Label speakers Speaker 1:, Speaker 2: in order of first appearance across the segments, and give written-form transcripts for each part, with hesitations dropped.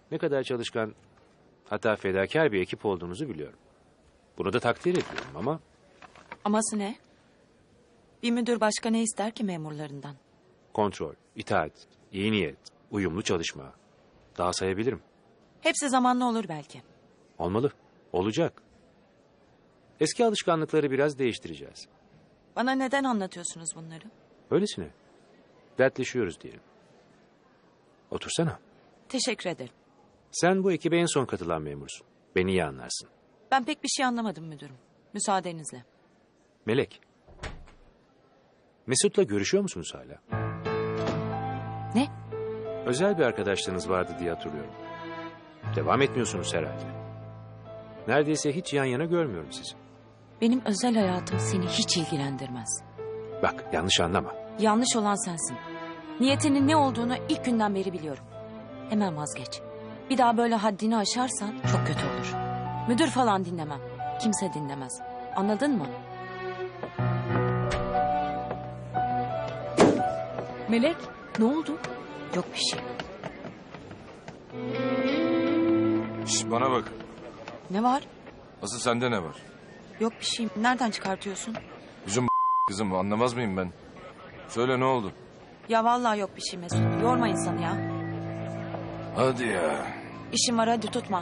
Speaker 1: Ne kadar çalışkan, hatta fedakar bir ekip olduğunuzu biliyorum. Bunu da takdir ediyorum ama
Speaker 2: Aması ne? Bir müdür başka ne ister ki memurlarından?
Speaker 1: kontrol, itaat, iyi niyet, uyumlu çalışma. Daha sayabilirim.
Speaker 2: Hepsi zamanla olur belki.
Speaker 1: Olmalı, olacak. Eski alışkanlıkları biraz değiştireceğiz.
Speaker 2: Bana neden anlatıyorsunuz bunları?
Speaker 1: Öylesine. Dertleşiyoruz diyelim. Otursana.
Speaker 2: Teşekkür ederim.
Speaker 1: Sen bu ekibe en son katılan memursun. Beni iyi anlarsın.
Speaker 2: Ben pek bir şey anlamadım müdürüm. Müsaadenizle.
Speaker 1: Melek. Mesut'la görüşüyor musunuz hala?
Speaker 2: Ne?
Speaker 1: Özel bir arkadaşlığınız vardı diye hatırlıyorum. Devam etmiyorsunuz herhalde. Neredeyse hiç yan yana görmüyorum sizi.
Speaker 2: Benim özel hayatım seni hiç ilgilendirmez.
Speaker 1: Bak, yanlış anlama.
Speaker 2: Yanlış olan sensin. Niyetinin ne olduğunu ilk günden beri biliyorum. Hemen vazgeç. Bir daha böyle haddini aşarsan çok kötü olur. Müdür falan dinlemem. Kimse dinlemez. Anladın mı? Melek, ne oldu? Yok bir şey.
Speaker 3: Şş, bana bak.
Speaker 2: Ne var?
Speaker 3: Asıl sende ne var?
Speaker 2: Yok bir şey. Nereden çıkartıyorsun?
Speaker 3: Bizim kızım anlamaz mıyım ben? Söyle ne oldu?
Speaker 2: Ya vallahi yok bir şey Mesut. Yorma insanı ya.
Speaker 3: Hadi ya.
Speaker 2: İşim var, hadi tutma.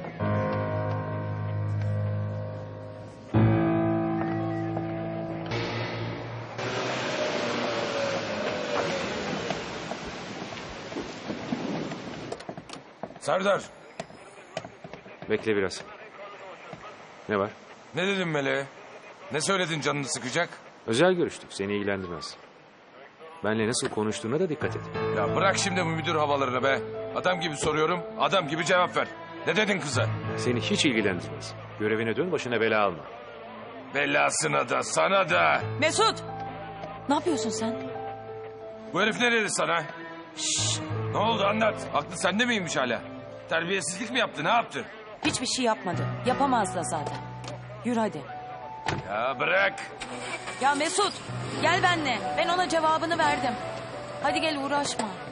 Speaker 3: Serdar,
Speaker 1: Bekle biraz. Ne var?
Speaker 3: ne dedin Meleğe? Ne söyledin canını sıkacak?
Speaker 1: Özel görüştük. Seni ilgilendirmez. Benle nasıl konuştuğuna da dikkat et.
Speaker 3: Ya bırak şimdi bu müdür havalarını be. Adam gibi soruyorum, adam gibi cevap ver. Ne dedin kıza?
Speaker 1: Seni hiç ilgilendirmez. Görevine dön, başına bela alma.
Speaker 3: Belasına da sana da.
Speaker 2: Mesut! Ne yapıyorsun sen?
Speaker 3: Bu herif ne dedi sana? Şşş, ne oldu anlat. Aklı sende miymiş hala? Terbiyesizlik mi yaptı, ne yaptı?
Speaker 2: Hiçbir şey yapmadı. Yapamaz da zaten. Yürü hadi.
Speaker 3: Ya bırak.
Speaker 2: Ya Mesut, gel benimle. Ben ona cevabını verdim. Hadi gel, uğraşma.